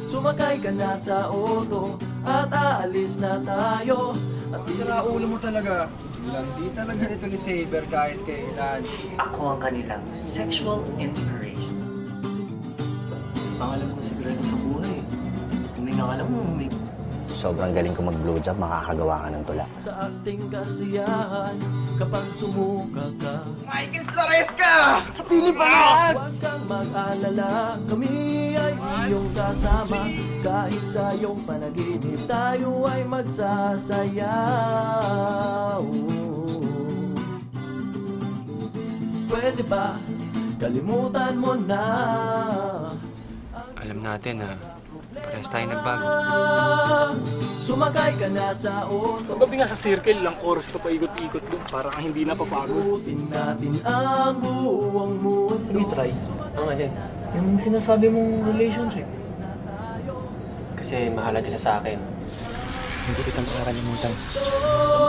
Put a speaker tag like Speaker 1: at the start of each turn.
Speaker 1: Sumakay ka na sa auto at aalis na tayo. At
Speaker 2: Sira ulo mo talaga. Hindi talaga nito ni Saber kahit kailan.
Speaker 3: Ako ang kanilang sexual inspiration.
Speaker 1: pangalan ko sigurado sa buhay. Hindi nga alam mo, may...
Speaker 4: Sobrang galing ko mag-blowjob, makakagawa ka ng tula.
Speaker 1: Sa ating kasiyahan, kapag sumuka ka,
Speaker 2: Michael Flores ka! Pili pa na!
Speaker 1: huwag kang mag-alala, kami ay iyong kasama. Kahit sa iyong panaginip, tayo ay magsasayaw. Pwede ba, kalimutan mo na.
Speaker 5: Alam natin na parehas tayo nagbago.
Speaker 1: Sumakay ka na sa auto.
Speaker 6: Gabi nga sa circle, lang oras ka pa ikot-ikot doon. Parang hindi napapagod.
Speaker 1: Ikutin natin ang buong mundo.
Speaker 7: Sige, try. Ang alin? Yung sinasabi mong relationship.
Speaker 8: Kasi mahalaga siya sa akin.
Speaker 5: Hindi kita makakalimutan.